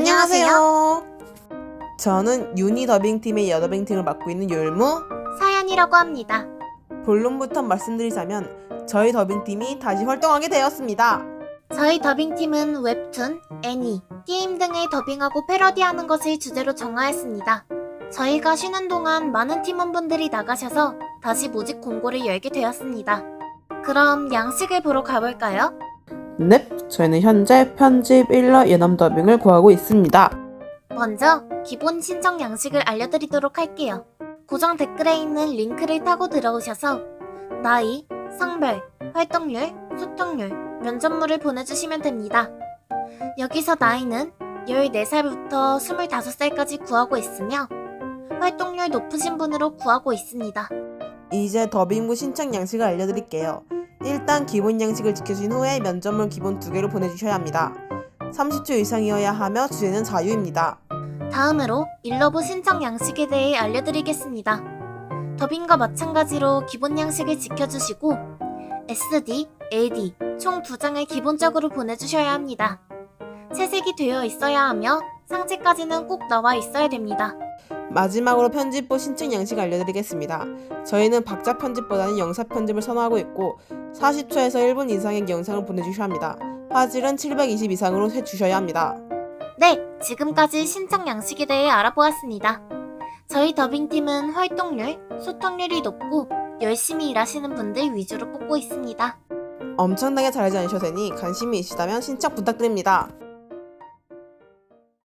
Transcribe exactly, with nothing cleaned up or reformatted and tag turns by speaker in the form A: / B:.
A: 안녕하세요. 저는 유니 더빙팀의 여더빙팀을 맡고 있는 율무
B: 사연이라고 합니다.
A: 본론부터 말씀드리자면 저희 더빙팀이 다시 활동하게 되었습니다.
B: 저희 더빙팀은 웹툰, 애니, 게임 등을 더빙하고 패러디하는 것을 주제로 정하였습니다. 저희가 쉬는 동안 많은 팀원분들이 나가셔서 다시 모집 공고를 열게 되었습니다. 그럼 양식을 보러 가볼까요?
A: 넵, 저희는 현재 편집 일러 예남 더빙을 구하고 있습니다.
B: 먼저 기본 신청 양식을 알려드리도록 할게요. 고정 댓글에 있는 링크를 타고 들어오셔서 나이, 성별, 활동률, 소통률, 면접물을 보내주시면 됩니다. 여기서 나이는 열네 살부터 스물다섯 살까지 구하고 있으며 활동률 높으신 분으로 구하고 있습니다.
A: 이제 더빙부 신청 양식을 알려드릴게요. 일단 기본 양식을 지켜준 후에 면접물 기본 두 개를 보내주셔야 합니다. 삼십 초 이상이어야 하며 주제는 자유입니다.
B: 다음으로 일러브 신청 양식에 대해 알려드리겠습니다. 더빙과 마찬가지로 기본 양식을 지켜주시고 에스디, 에이디 총 두 장을 기본적으로 보내주셔야 합니다. 채색이 되어 있어야 하며 상체까지는 꼭 나와 있어야 됩니다.
A: 마지막으로 편집부 신청 양식 알려드리겠습니다. 저희는 박자 편집보다는 영상 편집을 선호하고 있고 사십 초에서 일 분 이상의 영상을 보내주셔야 합니다. 화질은 칠백이십 이상으로 해주셔야 합니다.
B: 네, 지금까지 신청 양식에 대해 알아보았습니다. 저희 더빙팀은 활동률, 소통률이 높고 열심히 일하시는 분들 위주로 뽑고 있습니다.
A: 엄청나게 잘하지 않으셔도 되니 관심이 있으시다면 신청 부탁드립니다.